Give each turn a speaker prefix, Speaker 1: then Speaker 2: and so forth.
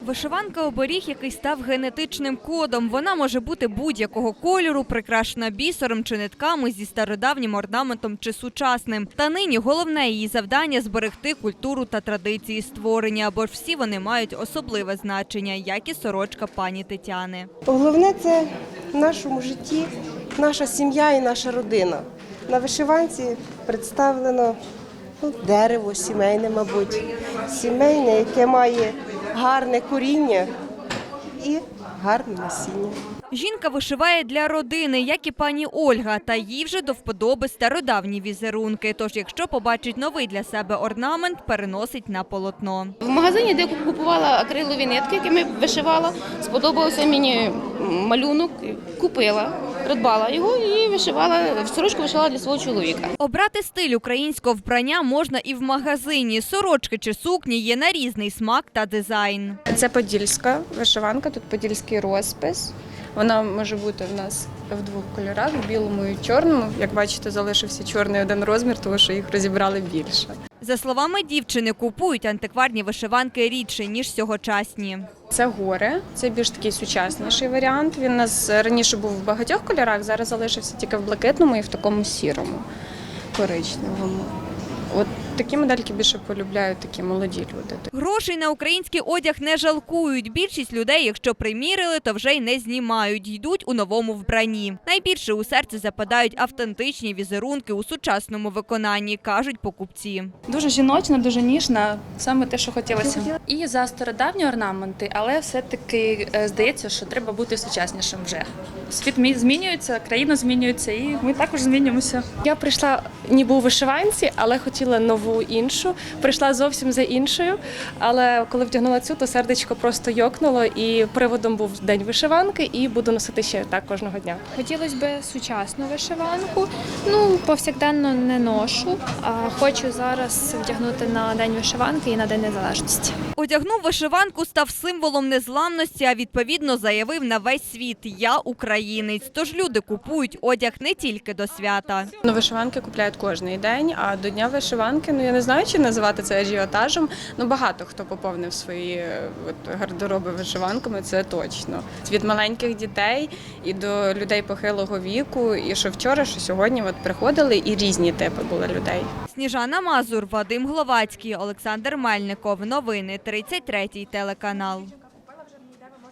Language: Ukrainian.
Speaker 1: Вишиванка – оберіг, який став генетичним кодом. Вона може бути будь-якого кольору, прикрашена бісером чи нитками зі стародавнім орнаментом чи сучасним. Та нині головне її завдання – зберегти культуру та традиції створення, бо ж всі вони мають особливе значення, як і сорочка пані Тетяни.
Speaker 2: Головне – це в нашому житті наша сім'я і наша родина. На вишиванці представлено дерево сімейне, мабуть, сімейне, яке має гарне коріння і гарне насіння.
Speaker 1: Жінка вишиває для родини, як і пані Ольга, та їй вже до вподоби стародавні візерунки. Тож, якщо побачить новий для себе орнамент, переносить на полотно.
Speaker 3: В магазині, де купувала акрилові нитки, якими вишивала, сподобався мені малюнок, купила, придбала його і вишивала, сорочку вишивала для свого чоловіка.
Speaker 1: Обрати стиль українського вбрання можна і в магазині. Сорочки чи сукні є на різний смак та дизайн.
Speaker 4: Це подільська вишиванка, тут подільський розпис. Вона може бути в нас в двох кольорах, в білому і чорному. Як бачите, залишився чорний один розмір, тому що їх розібрали більше.
Speaker 1: За словами дівчини, купують антикварні вишиванки рідше, ніж сьогочасні.
Speaker 4: Це гори, це більш такий сучасніший варіант. Він у нас раніше був в багатьох кольорах, зараз залишився тільки в блакитному і в такому сірому, коричневому. От такі модельки більше полюбляють такі молоді люди.
Speaker 1: Грошей на український одяг не жалкують. Більшість людей, якщо примірили, то вже й не знімають, йдуть у новому вбранні. Найбільше у серце западають автентичні візерунки у сучасному виконанні, кажуть покупці.
Speaker 5: Дуже жіночна, дуже ніжна, саме те, що хотілося. І за стародавні орнаменти, але все-таки здається, що треба бути сучаснішим вже. Світ змінюється, країна змінюється і ми також змінюємося.
Speaker 6: Я прийшла ніби у вишиванці, але хотіла нову іншу. Прийшла зовсім за іншою, але коли вдягнула цю, то сердечко просто йокнуло і приводом був день вишиванки і буду носити ще так кожного дня.
Speaker 7: Хотілося б сучасну вишиванку, повсякденно не ношу, а хочу зараз вдягнути на День вишиванки і на День Незалежності.
Speaker 1: Одягнув вишиванку, став символом незламності, а відповідно заявив на весь світ «Я українець». Тож люди купують одяг не тільки до свята.
Speaker 4: Вишиванки купляють кожен день, а до Дня вишиванки, я не знаю, чи називати це ажіотажем, багато хто поповнив свої гардероби вишиванками, це точно. Від маленьких дітей і до людей похилого віку, і що вчора, що сьогодні приходили, і різні типи були людей.
Speaker 1: Сніжана Мазур, Вадим Гловацький, Олександр Мельников. Новини 33 телеканал.